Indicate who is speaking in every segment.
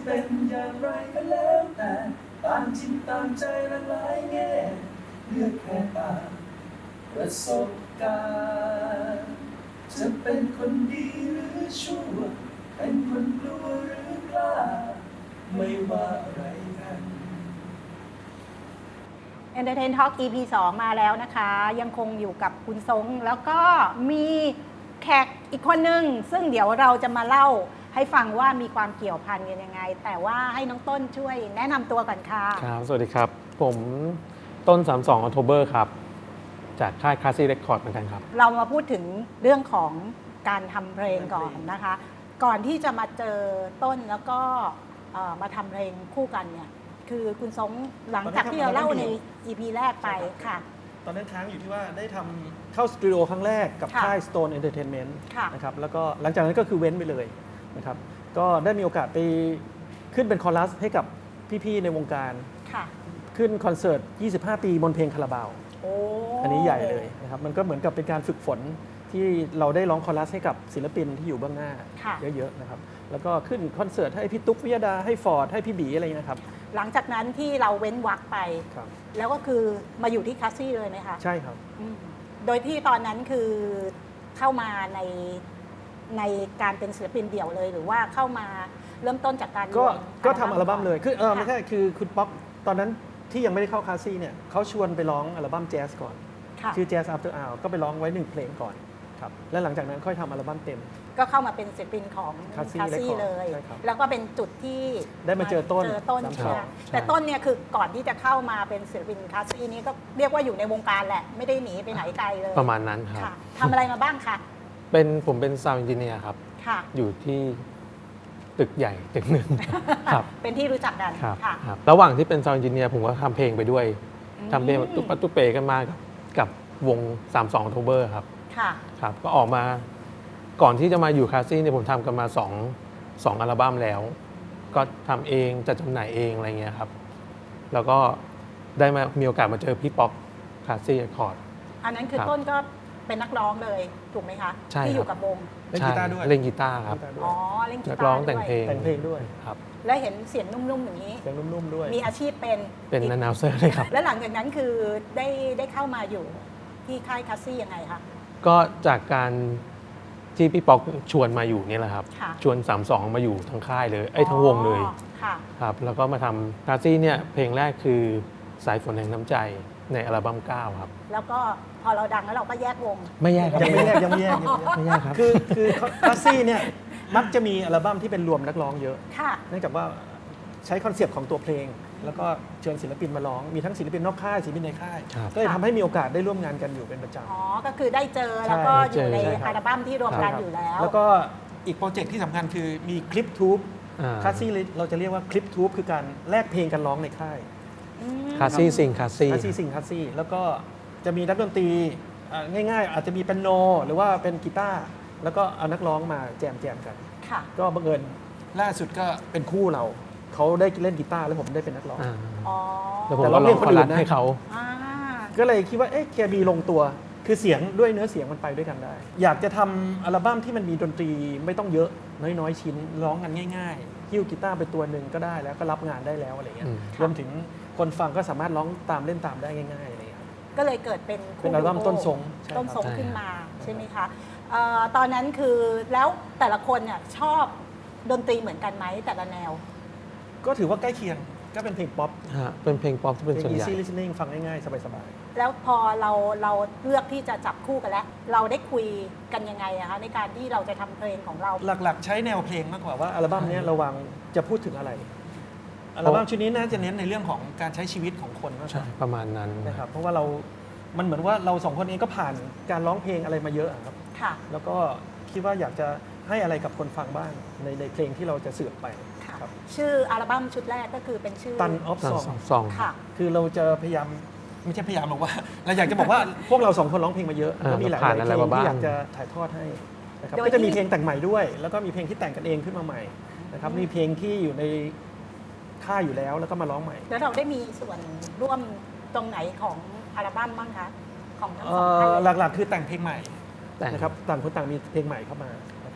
Speaker 1: เป็นอย่างไรก็แล้วแต่ตามจิตตามใจละหลายแง่เลือกแค่ตามประสบการณ์จะเป็นคนดีหรือชั่วเป็นคนกลัวหรือกล้าไม่ว่าอะไรกัน
Speaker 2: Entertain Talk EP 2 มาแล้วนะคะ ยังคงอยู่กับคุณทรงแล้วก็มีแขกอีกคนหนึ่งซึ่งเดี๋ยวเราจะมาเล่าให้ฟังว่ามีความเกี่ยวพันกันยังไง แต่ว่าให้น้องต้นช่วยแนะนำตัวก่อนค่ะ
Speaker 3: ครับสวัสดีครับ ผมต้น 32 October ครับ จากค่าย Classic Record เหมือนกันครับ
Speaker 2: เรามาพูดถึงเรื่องของการทำเพลงก่อนนะคะ ก่อนที่จะมาเจอต้นแล้วก็มาทำเพลงคู่กันเนี่ยคือคุณทรงหลังจากที่เราเล่าใน EP แรกไปค่ะ
Speaker 4: ตอนนั้นค้างอยู่ที่ว่าได้ทำเข้าสตูดิโอครั้งแรกกับ
Speaker 2: ค่ะ
Speaker 4: ค่าย Stone Entertainment
Speaker 2: ค่ะ
Speaker 4: นะครับแล้วก็หลังจากนั้นก็คือเว้นไปเลยนะครับก็ได้มีโอกาสไปขึ้นเป็นคอรัสให้กับพี่ๆในวงการ
Speaker 2: ค่ะ
Speaker 4: ขึ้นคอนเสิร์ต 25 ปีบนเพลงคาราบาว
Speaker 2: โอ้
Speaker 4: อันนี้ใหญ่เลยนะครับมันก็เหมือนกับเป็นการฝึกฝนที่เราได้ร้องคอรัสให้กับศิลปินที่อยู่เบื้องหน้า
Speaker 2: ค่ะ
Speaker 4: เยอะๆนะครับแล้วก็ขึ้นคอนเสิร์ตให้พี่ตุ๊กวิยดาให้ฟอร์ดให้พี่บีอะไรอย่างเงี้ยนะครับ
Speaker 2: หลังจากนั้นที่เราเว้นวรรคไป
Speaker 4: ครับ
Speaker 2: แล้วก็คือมาอยู่ที่คลาสซี่เลยไหมคะ
Speaker 4: ใช่ครับ
Speaker 2: อืมโดยที่ตอนนั้นคือเข้ามาในการเป็นศิลปินเดี่ยวเลย หรือว่าเข้ามาเริ่มต้นจากการ
Speaker 4: ก็
Speaker 2: รวม
Speaker 4: ก็ทำอัลบั้มเลยคือ
Speaker 2: ค่ะ
Speaker 4: ไม่ใช่คือคุณป๊อกตอนนั้นที่ยังไม่ได้เข้าคลาสซี่เนี่ยเขาชวนไปร้องอัลบั้มแจ๊สก่อน
Speaker 2: ค่ะ
Speaker 4: ชื่อ Jazz After Hour ก็ไปร้องไว้1เพลงก่อนครับและหลังจากนั้นค่อยทำอัลบั้มเต็ม
Speaker 2: ก็เข้ามาเป็นศิลปินของ
Speaker 4: Classy
Speaker 2: คลาสซี่
Speaker 4: Record
Speaker 2: เลย
Speaker 4: ใช่ครับ
Speaker 2: แล้วก็เป็นจุดที่
Speaker 4: ได้มาเจอต้น
Speaker 2: ใช่ไหม
Speaker 3: ใช่
Speaker 2: แต่ต้นเนี่ยคือก่อนที่จะเข้ามาเป็นศิลปินคลาสซี่นี้ก็เรียกว่าอยู่ในวงการแหละ ไม่ได้หนีไปไหนไกลเลย
Speaker 3: ประมาณนั้นครับ
Speaker 2: ค่ะทำอะไรมาบ้างคะ
Speaker 3: ผมเป็น Sound Engineer ครับ
Speaker 2: ค่ะ
Speaker 3: อยู่ที่ตึกใหญ่ตึกหนึ่ง ครับ
Speaker 2: เป็นที่รู้จักกัน
Speaker 3: ครับ
Speaker 2: ค่ะ
Speaker 3: ครับระหว่างที่เป็น Sound Engineer ผมก็ทำเพลงไปด้วย
Speaker 2: อืม
Speaker 3: ทำเพลงตุ๊กปัตตุ๊เปกันมากับวง 32 October ครับ
Speaker 2: ค่ะ
Speaker 3: ครับ ก็ออกมาก่อนที่จะมาอยู่คลาสซี่เนี่ยผมทำกันมา2อัลบั้มแล้ว ก็ทำเองจัดจำหน่ายเองอะไรเงี้ยครับ แล้วก็ได้มีโอกาสมาเจอพี่ป๊อกคลาสซี่เรคคอร์ด
Speaker 2: อันนั้นคือ
Speaker 3: ครับ
Speaker 2: ต้นก็เป็นนักร้องเลยถูกไหมคะ
Speaker 3: ใช่
Speaker 2: ที่อยู่
Speaker 3: ครับ
Speaker 2: กับวง
Speaker 4: เล่นกีตาร์ด้วย
Speaker 3: เล่นกีตาร์ครับ
Speaker 4: กีตาร์ด้วย
Speaker 2: อ๋อเล่นกี
Speaker 3: นัก
Speaker 2: ตา
Speaker 3: ร้อง
Speaker 2: ร์
Speaker 3: แต่ง
Speaker 2: ด้วย
Speaker 3: เพลง
Speaker 4: แต่งเพลงด้วย
Speaker 3: ครับ
Speaker 2: และเห็นเสียงนุ่มๆอย่างนี้
Speaker 4: เสียงนุ่มๆด้วย
Speaker 2: มีอาชีพเป็น
Speaker 3: เป็นนันาวเซอร์เลยครับ
Speaker 2: และหลังจากนั้นคือได้เข้ามาอยู่ที่ค่ายคลาสซี่ยังไงคะ
Speaker 3: ก็จากการที่พี่ป๊อกชวนมาอยู่นี่แหละครับ
Speaker 2: ค่ะ
Speaker 3: ชวน 32 มาอยู่ทั้งค่ายเลยทั้งวงเลย
Speaker 2: อ๋อค่ะ
Speaker 3: ครับ แล้วก็มาทำคลาสซี่เนี่ยเพลงแรกคือสายฝนแห่งน้ำใจในอัลบั้ม 9 ครับ
Speaker 2: แล้วก็พอเราดังแล้วเราก็แยกวง
Speaker 3: ไม่แยกครับ
Speaker 4: ยังไม่แยกยังไม่แยก
Speaker 3: ไม่แยกครับ
Speaker 4: คือคลาสซี่เนี่ยมักจะมีอัลบั้มที่เป็นรวมนักร้องเยอะ
Speaker 2: ค่ะ
Speaker 4: เนื่องจากว่าใช้คอนเซปต์ของตัวเพลง แล้วก็เชิญศิลปินมาร้อง มีทั้งศิลปินนอกค่ายศิลปินในค่าย
Speaker 3: ครับ
Speaker 4: ก็เลยทำให้มีโอกาสได้ร่วมงานกันอยู่เป็นประจ
Speaker 2: อ๋อ ก็คือได้เจอแล้วก็อยู่ใน
Speaker 4: ใช่ครับ
Speaker 2: อัลบั้มที่รวม
Speaker 4: ำ
Speaker 2: กัน
Speaker 4: ใช่ครับ
Speaker 2: อยู่แล้ว
Speaker 4: แล้วก็อีกโปรเจกต์ที่สำคัญคือมีคลิปทูบ
Speaker 3: อ่า
Speaker 4: คลาสซี่เราจะเรียกว่าคลิปทูบคือการแลกเพลงกันร้องในค่าย
Speaker 2: อืม
Speaker 3: คลาสซี่ซิงคลาสซี่
Speaker 4: คลาสซี่ซิงคลาสซี่แล้วก็จะมีนักดนตรีง่ายๆ อาจจะมีเปียโนหรือว่าเป็นกีตาร์แล้วก็เอานักร้องมาแจมกัน
Speaker 2: ค่ะ
Speaker 4: ก็บังเอิญล่าสุดก็เป็นคู่เรา เขาได้เล่นกีตาร์แล้วผมได้เป็นนักร้อง
Speaker 3: อ่า
Speaker 2: อ๋อ
Speaker 3: แล้วผม
Speaker 4: แต่
Speaker 3: ก็
Speaker 4: ร้อง
Speaker 3: ร้
Speaker 4: เพล
Speaker 3: อง ง
Speaker 4: ค
Speaker 3: คน
Speaker 4: อื่
Speaker 3: รั
Speaker 4: น
Speaker 3: ส
Speaker 4: นะ
Speaker 3: ให้เขา
Speaker 2: อ่า
Speaker 4: ก็เลยคิดว่าเอ๊ะเคมีลงตัว คือเสียงด้วยเนื้อเสียงมันไปด้วยกันได้ อยากจะทำอัลบั้มที่มันมีดนตรีไม่ต้องเยอะน้อยๆชิ้นร้องกันง่ายๆหิ้วกีตาร์ไปตัวหนึ่งก็ได้แล้วก็รับงานได้แล้วอะไรเงี้ย
Speaker 3: อืม
Speaker 4: รวมถึงคนฟังก็สามารถร้องตามเล่นตามได้ง่ายๆอะไรเงี้ย
Speaker 2: ก็เลยเกิดเป็นคู่
Speaker 4: เป็นอัลบั้ม
Speaker 2: ดูโ
Speaker 4: ต้นทรงใช่ครับ
Speaker 2: ต้นทรง
Speaker 3: ใช่
Speaker 2: ขึ้นมาใช่ไหมคะตอนนั้นคือแล้วแต่ละคนเนี่ยชอบดนตรีเหมือนกันไหมแต่ละแนว
Speaker 4: ก็ถือว่าใกล้เคียงก็เป็นเพลงป๊อป
Speaker 3: ฮะเป็นเพลงป๊อปที่
Speaker 4: เพ
Speaker 3: เป็น
Speaker 4: ลง
Speaker 3: ส่วนใหญ่
Speaker 4: easy listening ฟังง่ายๆ สบาย
Speaker 2: แล้วพอเราเลือกที่จะจับคู่กันแล้ว เราได้คุยกันยังไงอะคะในการที่เราจะทำเพลงของเรา
Speaker 4: ๆ หลักๆ ใช้แนวเพลงมากกว่าว่าอัลบั้มเนี้ยเราวางจะพูดถึงอะไร อัลบั้มชุดนี้น่าจะเน้นในเรื่องของการใช้ชีวิตของคนมากก
Speaker 3: ใช่
Speaker 4: ว่า
Speaker 3: ประมาณนั้น
Speaker 4: นะครับเพราะว่ามันเหมือนว่าเราสองคนเองก็ผ่านการร้องเพลงอะไรมาเยอะอะครับ
Speaker 2: ค่ะ
Speaker 4: แล้วก็คิดว่าอยากจะให้อะไรกับคนฟังบ้างในเพลงที่เราจะสื่อไป
Speaker 2: ค่ะ
Speaker 4: ครับ
Speaker 2: ชื่ออัลบั้มชุดแรกก็คือเป็นชื่อ
Speaker 4: ตันออฟ
Speaker 3: ส
Speaker 4: ซ
Speaker 3: อ
Speaker 4: อง ง
Speaker 3: สอง
Speaker 2: ค่ะ
Speaker 4: คือเราจะพยายามไม่ใช่พยายามหรอกว่า เราอยากจะบอกว่าพวกเราสองคนร้องเพลงมาเยอะแล้วมีหลาย
Speaker 3: ผ่าน
Speaker 4: ๆ
Speaker 3: อะไร
Speaker 4: เพลง
Speaker 3: มาบ้าง
Speaker 4: ที่อยากจะถ่ายทอดให้นะครับ
Speaker 2: โดย
Speaker 4: ก็จะมี
Speaker 2: ที่
Speaker 4: เพลงแต่งใหม่ด้วย แล้วก็มีเพลงที่แต่งกันเองขึ้นมาใหม่นะครับมีเพลงที่อยู่ในค่ายอยู่แล้วแล้วก็มาร้องใหม่
Speaker 2: แล้วเราได้มีส่วนร่วมตรงไหนของอัลบั้มบ้างคะ ของทั้ง
Speaker 4: เอ่
Speaker 2: สองท่านเลย
Speaker 4: หลักๆ คือแต่งเพลงใหม่
Speaker 3: แต่ง
Speaker 4: นะครับต่างคนต่างมีเพลงใหม่เข้ามานะครับ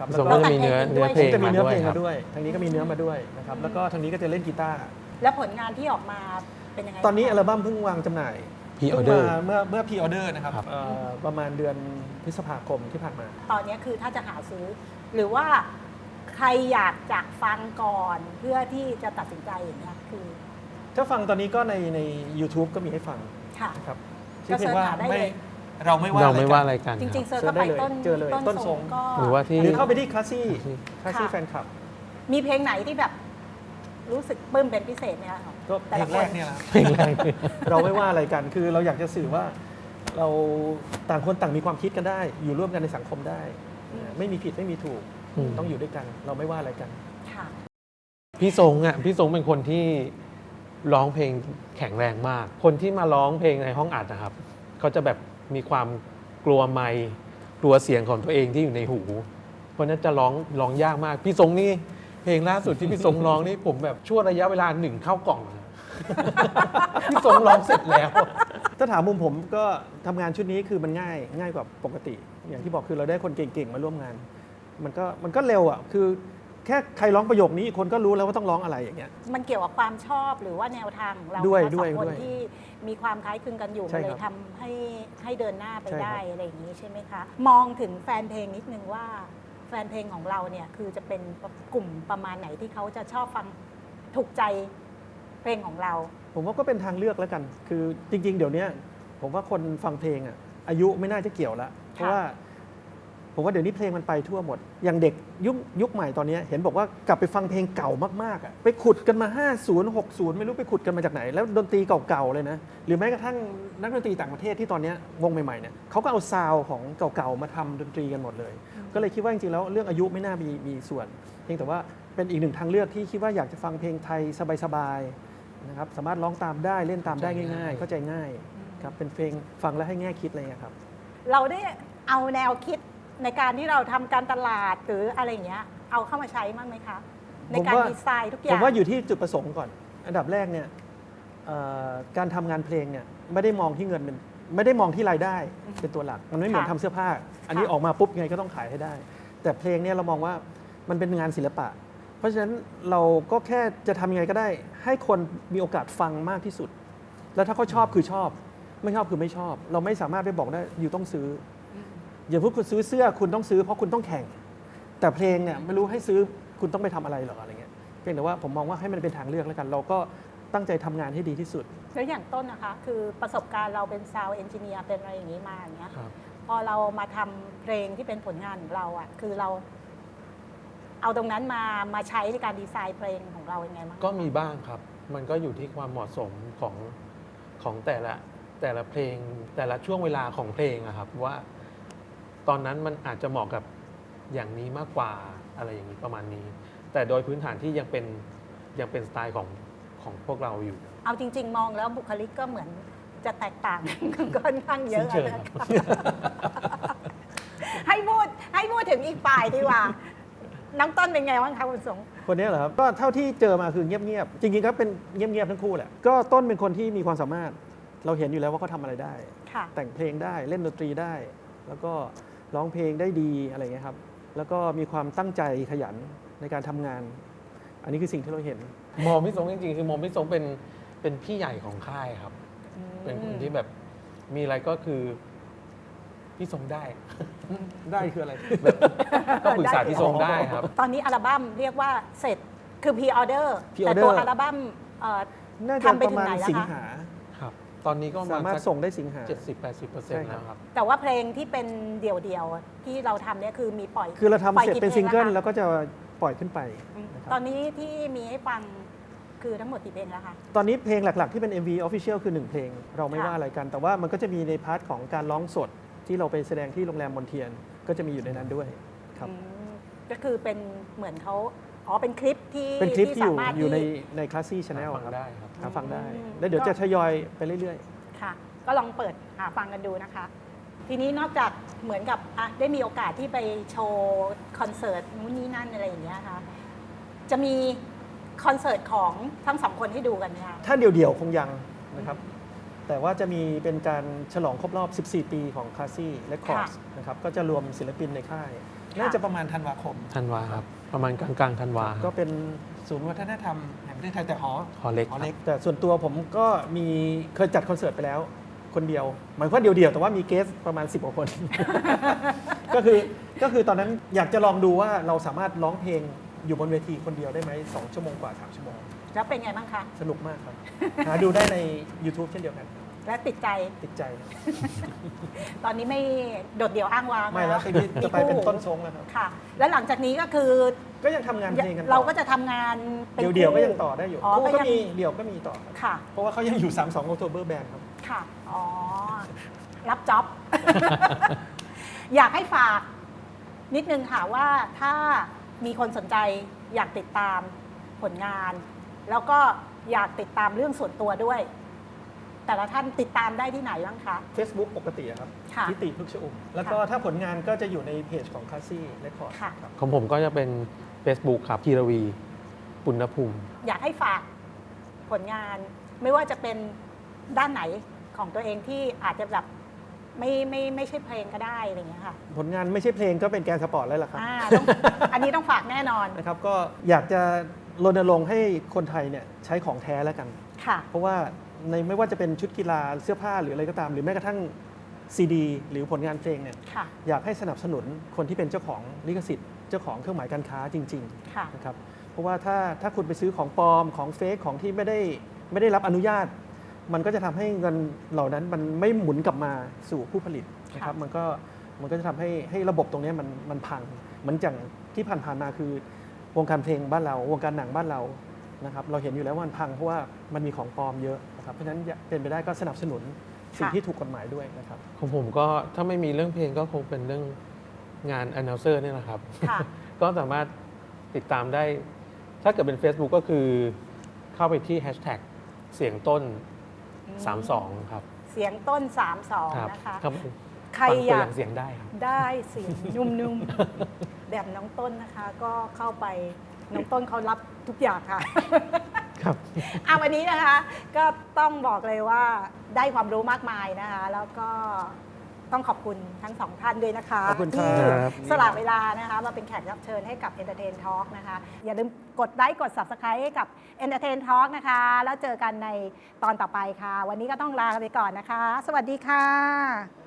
Speaker 4: นะครับ
Speaker 3: พี่
Speaker 4: แล้ว
Speaker 3: สง
Speaker 4: ก็
Speaker 3: ก็จะมีเนื้อเพลง
Speaker 4: จะมีเนื้อเพลง
Speaker 3: ครั
Speaker 4: มา
Speaker 3: บ
Speaker 4: ด้วยทางนี้ก็มีเนื้อมาด้วยนะครับแล้วก็ทางนี้ก็จะเล่นกีตาร์
Speaker 2: แล้วผลงานที่ออกมาเป็นยังไง
Speaker 4: ตอนนี้
Speaker 2: บ้าง
Speaker 4: อัลบั้มเพิ่งวางจำหน่าย
Speaker 3: Pre
Speaker 4: เพิ่ง
Speaker 3: order
Speaker 4: มาเมื่อพรีออเดอร์นะครับ
Speaker 3: ครับ
Speaker 4: ประมาณเดือนพฤษภาคมที่ผ่านมา
Speaker 2: ตอนนี้คือถ้าจะหาซื้อ หรือว่าใครอยากจะฟังก่อนเพื่อที่จะตัดสินใจอย่างเงี้ยคือ
Speaker 4: ถ้าฟังตอนนี้ก็ใน YouTube ก็มีให้ฟัง
Speaker 2: ค่ะ
Speaker 4: นะครับ
Speaker 2: ก็
Speaker 4: ชื่อเพลงว่า
Speaker 2: เสิร์ชหาได้เลย
Speaker 4: เราไม่ว่า
Speaker 3: เราไม่ว่า
Speaker 4: อะ
Speaker 3: อะไร ไรกัน
Speaker 2: จริงๆ
Speaker 3: ค
Speaker 2: เซิร์ช
Speaker 4: เสิร์
Speaker 2: เข้า
Speaker 4: ชได้เลย
Speaker 2: ไปต้น
Speaker 4: เจอเลยต้นทรง
Speaker 2: ก็
Speaker 3: หรือว่าที่
Speaker 4: หรือเข้าไปที่คลาสซี่
Speaker 2: ค่ะ
Speaker 4: แฟนคลับ
Speaker 2: มีเพลงไหนที่แบบรู้สึกปลื้มเป็นพิเศษไหมคะ
Speaker 4: ก็เพ
Speaker 2: แต่
Speaker 4: ล
Speaker 2: ละ
Speaker 4: ง
Speaker 2: ค
Speaker 4: แรกเนี่ยแหละ
Speaker 3: เพลงแรก
Speaker 4: เราไม่ว่าอะไรกัน คือเราอยากจะสื่อว่าเราต่างคนต่างมีความคิดกันได้ อยู่ร่วมกันในสังคมได้ ไม่มีผิดไม่มีถูก
Speaker 3: อืม
Speaker 4: ต้องอยู่ด้วยกัน เราไม่ว่าอะไรกัน
Speaker 2: ค่ะ
Speaker 3: พี่ทรงอ่ะพี่ทรงเป็นคนที่ร้องเพลงแข็งแรงมาก คนที่มาร้องเพลงในห้องอัดนะครับเขาจะแบบมีความกลัวไมค์กลัวเสียงของตัวเองที่อยู่ในหู เพราะฉะนั้นจะร้องยากมาก พี่ทรงนี่เพลงล่าสุดที่พี่ทรงร้องนี่ผมแบบช่วงระยะเวลาหนึ่งเข้ากล่อง พี่ทรงร้องเสร็จแล้ว
Speaker 4: ถ้าถามมุมผมก็ทำงานชุดนี้คือมันง่ายกว่าปกติ อย่างที่บอกคือเราได้คนเก่งๆมาร่วมงาน มันก็เร็วอ่ะคือแค่ใครร้องประโยคนี้อีกคนก็รู้แล้วว่าต้องร้องอะไรอย่างเงี้ย
Speaker 2: มันเกี่ยวกับความชอบหรือว่าแนวทางของเรา
Speaker 4: ด้วย
Speaker 2: ทั้งสองคน
Speaker 4: ด้วย
Speaker 2: ที่มีความคล้ายคลึงกันอยู่
Speaker 4: ใช่
Speaker 2: มันเล
Speaker 4: ครั
Speaker 2: ย
Speaker 4: บ
Speaker 2: ทำให้เดินหน้าไป
Speaker 4: ใช่ครับ
Speaker 2: ได้อะไรอย่างนี้ใช่ไหมคะ มองถึงแฟนเพลงนิดนึงว่าแฟนเพลงของเราเนี่ยคือจะเป็นกลุ่มประมาณไหนที่เขาจะชอบฟังถูกใจเพลงของเรา
Speaker 4: ผมว่าก็เป็นทางเลือกแล้วกัน คือจริง ๆ เดี๋ยวนี้ผมว่าคนฟังเพลงอ่ะอายุไม่น่าจะเกี่ยวละเพราะว่าผมว่าเดี๋ยวนี้เพลงมันไปทั่วหมด อย่างเด็กยุคใหม่ตอนนี้เห็นบอกว่ากลับไปฟังเพลงเก่ามากๆอ่ะไปขุดกันมา 50 60 ไม่รู้ไปขุดกันมาจากไหน แล้วดนตรีเก่าๆเลยนะ หรือแม้กระทั่งนักดนตรีต่างประเทศที่ตอนนี้วงใหม่ๆเนี่ยเขาก็เอาซาวด์ของเก่าๆมาทำดนตรีกันหมดเลย ก็เลยคิดว่าจริงๆแล้วเรื่องอายุไม่น่ามีส่วน เพียงแต่ว่าเป็นอีกหนึ่งทางเลือกที่คิดว่าอยากจะฟังเพลงไทยสบายๆนะครับสามารถร้องตามได้เล่นตามได้ง่ายๆเข้าใจง่ายครับเป็นเพลงฟังแล้วให้แง่คิดอะไรอย่างเงี้ยครับ
Speaker 2: เราได้เอาแนวคิดในการที่เราทำการตลาดหรืออะไรอย่างเงี้ยเอาเข้ามาใช้บ้างไหมคะ ในการ
Speaker 4: ผมว่า
Speaker 2: ดีไซน์ทุกอ
Speaker 4: ผ
Speaker 2: ย่าม ง
Speaker 4: ว่าอยู่ที่จุดประสงค์ก่อน อันดับแรกเนี่ยการทำงานเพลงเนี่ยไม่ได้มองที่เงินเป็นไม่ได้มองที่รายได้เป็นตัวหลัก มันไม่เหมือนทำเสื้อผ้า อันนี้ออกมาปุ๊บไงก็ต้องขายให้ได้ แต่เพลงเนี่ยเรามองว่ามันเป็นงานศิลปะ เพราะฉะนั้นเราก็แค่จะทำยังไงก็ได้ ให้คนมีโอกาสฟังมากที่สุด แล้วถ้าเขาชอบคือชอบ ไม่ชอบคือไม่ชอบ เราไม่สามารถไปบอกได้อยู่ต้องซื้ออย่าพูดคุณซื้อเสื้อคุณต้องซื้อเพราะคุณต้องแข่ง แต่เพลงเนี่ยไม่รู้ให้ซื้อคุณต้องไปทำอะไรหรออะไรเงี้ยเพียงแต่ว่าผมมองว่าให้มันเป็นทางเลือกแล้วกัน เราก็ตั้งใจทำงานให้ดีที่สุด
Speaker 2: แล้วอย่างต้นนะคะ คือประสบการณ์เราเป็นซาวด์เอนจิเนียร์เป็นอะไรอย่างนี้มาอย่างเงี้ย
Speaker 3: ครับ
Speaker 2: พอเรามาทำเพลงที่เป็นผลงานของเราอ่ะคือเราเอาตรงนั้นมาใช้ในการดีไซน์เพลงของเรายังไงบ้าง
Speaker 3: ก็มีบ้างครับ มันก็อยู่ที่ความเหมาะสมของแต่ละเพลง แต่ละช่วงเวลาของเพลงอะครับว่าตอนนั้นมันอาจจะเหมาะกับอย่างนี้มากกว่าอะไรอย่างนี้ประมาณนี้ แต่โดยพื้นฐานที่ยังเป็นสไตล์ของพวกเราอยู่
Speaker 2: เอาจริง ๆ มองแล้วบุคลิกก็เหมือนจะแตกต่าง ค่อนข้างเยอะ
Speaker 3: สิ้นเชิง
Speaker 2: นะ
Speaker 3: ครั
Speaker 2: คะ
Speaker 3: บ
Speaker 2: ให้พูดถึงอีกฝ่ายดีกว่า น้องต้นเป็นไงบ้างคะคุณสง
Speaker 4: คนนี้เหรอครับก็เท่าที่เจอมาคือเงียบๆจริงๆก็เป็นเงียบๆทั้งคู่แหละก็ต้นเป็นคนที่มีความสามารถ เราเห็นอยู่แล้วว่าเขาทำอะไรได้
Speaker 2: ค่ะ
Speaker 4: แต่งเพลงได้เล่นดนตรีได้ แล้วก็ร้องเพลงได้ดีอะไรเงี้ยครับแล้วก็มีความตั้งใจขยันในการทำงาน อันนี้คือสิ่งที่เราเห็น
Speaker 3: มองพี่สงจริงๆคือมองพี่สงเป็นพี่ใหญ่ของค่ายครับ เป็นคนที่แบบมีอะไรก็คือพี่สงได้
Speaker 4: ได้คืออะไร
Speaker 3: ก็ปรึกษาพี่สงได้ครับ
Speaker 2: ตอนนี้อัลบั้มเรียกว่าเสร็จคือพรีออเดอร์
Speaker 4: pre-order
Speaker 2: แต่ตัวอัลบั้ม
Speaker 4: น่าจะ
Speaker 2: ทำไป
Speaker 4: ประ
Speaker 2: ถึง
Speaker 4: มาณ
Speaker 2: ไหนแล้ว
Speaker 4: สิง
Speaker 2: คะ
Speaker 4: หา
Speaker 3: ครับ ตอนนี้ก็
Speaker 4: สามารถส่งได้สิงหา
Speaker 3: 70-80% แล้วครับ
Speaker 2: แต่ว่าเพลงที่เป็นเดี่ยวๆที่เราทำเนี่ยคือมีปล่อย
Speaker 4: คือเราทำ
Speaker 2: ปล่อย
Speaker 4: เสร็จ
Speaker 2: กี่
Speaker 4: เป็นซิงเกิล
Speaker 2: พะคะ
Speaker 4: แล้วก็จะปล่อยขึ้นไป
Speaker 2: อืม
Speaker 4: นะครับ
Speaker 2: ตอนนี้ที่มีให้ฟังคือทั้งหมดกี่เพลงแล้วคะ
Speaker 4: ตอนนี้เพลงหลักๆที่เป็น MV Official คือ 1 เพลง เราไม่
Speaker 2: ค่ะ
Speaker 4: ว่าอะไรกัน แต่ว่ามันก็จะมีในพาร์ทของการร้องสดที่เราไปแสดงที่โรงแรมมอนเทียน ก็จะมีอยู่ในนั้นด้วยครับ
Speaker 2: อืมก็คือเป็นเหมือนเขาเป็นคลิปที่
Speaker 4: เป็นคลิปที่
Speaker 2: สามารถ
Speaker 4: อยู่
Speaker 2: ที่
Speaker 4: ในคลาสซี่ชาแนล
Speaker 3: ฟังได้ครับ
Speaker 4: หาฟังได้
Speaker 2: อืม
Speaker 4: แล้วเดี๋ยวจะทยอยไปเรื่อย
Speaker 2: ค่ะ ก็ลองเปิดหาฟังกันดูนะคะ ทีนี้นอกจากเหมือนกับได้มีโอกาสที่ไปโชว์คอนเสิร์ตนู้นนี่นั่นอะไรอย่างเงี้ยค่ะจะมีคอนเสิร์ตของทั้งสองคนให้ดูกันไหมคะ
Speaker 4: ๆ ถ้าเดี่ยวๆ คงยังนะครับ แต่ว่าจะมีเป็นการฉลองครบรอบ 14 ปีของคลาสซี่และคอร์สนะครับ ก็จะรวมศิลปินในค่ายน่าจะประมาณธันวาคม
Speaker 3: ธันวาครับ ประมาณกลางธันวา
Speaker 4: ก็เป็นศูนย์วัฒนธรรมแห่งประเทศไทยแต่หอ
Speaker 3: หอเล็ก
Speaker 4: หอ
Speaker 3: ค
Speaker 4: เล็
Speaker 3: รั
Speaker 4: ก
Speaker 3: บ
Speaker 4: แต่ส่วนตัวผมก็เคยจัดคอนเสิร์ตไปแล้วคนเดียวหมายความว่าเดียวๆแต่ว่ามีเกสประมาณ10กว่าคน ก็คือตอนนั้นอยากจะลองดูว่าเราสามารถร้องเพลงอยู่บนเวทีคนเดียวได้ไหม2 ชั่วโมงกว่า3 ชั่วโมง
Speaker 2: แล้วเป็นไงบ้างคะ
Speaker 4: สนุกมากครับ หาดูได้ใน YouTube เช่นเดียวกัน
Speaker 2: และติดใจ
Speaker 4: ติดใจ
Speaker 2: ตอนนี้ไม่โดดเดี่ยวอ้างว้าง
Speaker 4: ไม่แล้ว
Speaker 2: นะ
Speaker 4: ทีนี้จะไปเป็นต้นทรงแล้วครับ
Speaker 2: ค่ะ แล้วหลังจากนี้ก็คือ
Speaker 4: ก็ยังทำงานเพลงกันต่อ
Speaker 2: เราก็จะทำงานเป็น
Speaker 4: เดี่ยวๆก็
Speaker 2: คู่
Speaker 4: ยังต่อได้อยู่
Speaker 2: อ๋อ
Speaker 4: คู่
Speaker 2: ก็
Speaker 4: ก็
Speaker 2: ยัง
Speaker 4: มีเดี่ยวก็มีต่อครับ
Speaker 2: ค่ะ
Speaker 4: เพราะว่าเขายังอยู่ 32 October Band ครับ
Speaker 2: ค่ะ อ๋อ รับจ็อบ อยากให้ฝากนิดนึงค่ะว่าถ้ามีคนสนใจอยากติดตามผลงาน แล้วก็อยากติดตามเรื่องส่วนตัวด้วย แต่ละท่านติดตามได้ที่ไหนบ้างคะ
Speaker 4: Facebook ปกติอะครับ
Speaker 2: ค่ะ
Speaker 4: ทิติพึกษ์ชอุ่มแล้วก็ถ้าผลงานก็จะอยู่ในเพจของคาซี่เรคคอร์ด
Speaker 2: ค่ะ
Speaker 4: ครับ
Speaker 3: ของผมก็จะเป็น Facebook ครับพีรวีปุณณภูมิ
Speaker 2: อยากให้ฝากผลงาน ไม่ว่าจะเป็นด้านไหนของตัวเองที่อาจจะแบบไม่ใช่เพลงก็ได้อะไรอย่างเงี้ยค่ะ
Speaker 4: ผลงานไม่ใช่เพลงก็เป็นแกนสปอร์ตแล้วล่ะครับ
Speaker 2: อันนี้ต้องฝากแน่นอน
Speaker 4: นะครับก็อยากจะรณรงค์ให้คนไทยเนี่ยใช้ของแท้แล้วกัน
Speaker 2: ค่ะ
Speaker 4: เพราะว่าในไม่ว่าจะเป็นชุดกีฬาเสื้อผ้าหรืออะไรก็ตาม หรือแม้กระทั่งซีดีหรือผลงานเพลงเนี่ย
Speaker 2: ค่ะ
Speaker 4: อยากให้สนับสนุนคนที่เป็นเจ้าของลิขสิทธิ์เจ้าของเครื่องหมายการค้าจริง
Speaker 2: ค่ะ
Speaker 4: ๆนะครับเพราะว่าถ้าคุณไปซื้อของปลอมของเฟกของที่ไม่ได้รับอนุญาต มันก็จะทำให้เงินเหล่านั้นมันไม่หมุนกลับมาสู่ผู้ผลิตนะครับมันก็จะทำให้ระบบตรงนี้มันพังเหมือนอย่างที่ผ่านๆมาคือวงการเพลงบ้านเราวงการหนังบ้านเรานะครับเราเห็นอยู่แล้วว่ามันพังเพราะว่ามันมีของปลอมเยอะนะครับเพราะฉะนั้นเป็นไปได้ก็สนับสนุนสิ่งที่ถูกกฎหมายด้วยนะครับ
Speaker 3: ของผมก็ถ้าไม่มีเรื่องเพลงก็คงเป็นเรื่องงาน announcer เนี่ยนะครับ
Speaker 2: ค่ะ
Speaker 3: ก็สามารถติดตามได้ ถ้าเกิดเป็น Facebook ก็คือเข้าไปที่ hashtag เสียงต้น 32 ครับ
Speaker 2: เสียงต้น
Speaker 3: ครับ
Speaker 2: 32 นะคะ
Speaker 3: ครับ
Speaker 2: ใคร
Speaker 3: ฟัง
Speaker 2: อ
Speaker 3: ตัว
Speaker 2: ยา
Speaker 3: อก ย่างเสียงได้ครับ
Speaker 2: ได้เสียงนุ่มๆ แบบน้องต้นนะคะ ก็เข้าไปน้องต้นเขารับทุกอย่างค่ะ
Speaker 4: ครับ
Speaker 2: วันนี้นะคะ ก็ต้องบอกเลยว่าได้ความรู้มากมายนะคะ แล้วก็ต้องขอบคุณทั้งสองท่านด้วยนะคะ
Speaker 4: ขอบคุณครั
Speaker 2: ที่
Speaker 4: บ
Speaker 2: สละเวลานะคะมาเป็นแขกรับเชิญให้กับ Entertain Talk นะคะ อย่าลืมกดไลค์กด Subscribe ให้กับ Entertain Talk นะคะ แล้วเจอกันในตอนต่อไปค่ะ วันนี้ก็ต้องลาไปก่อนนะคะ สวัสดีค่ะ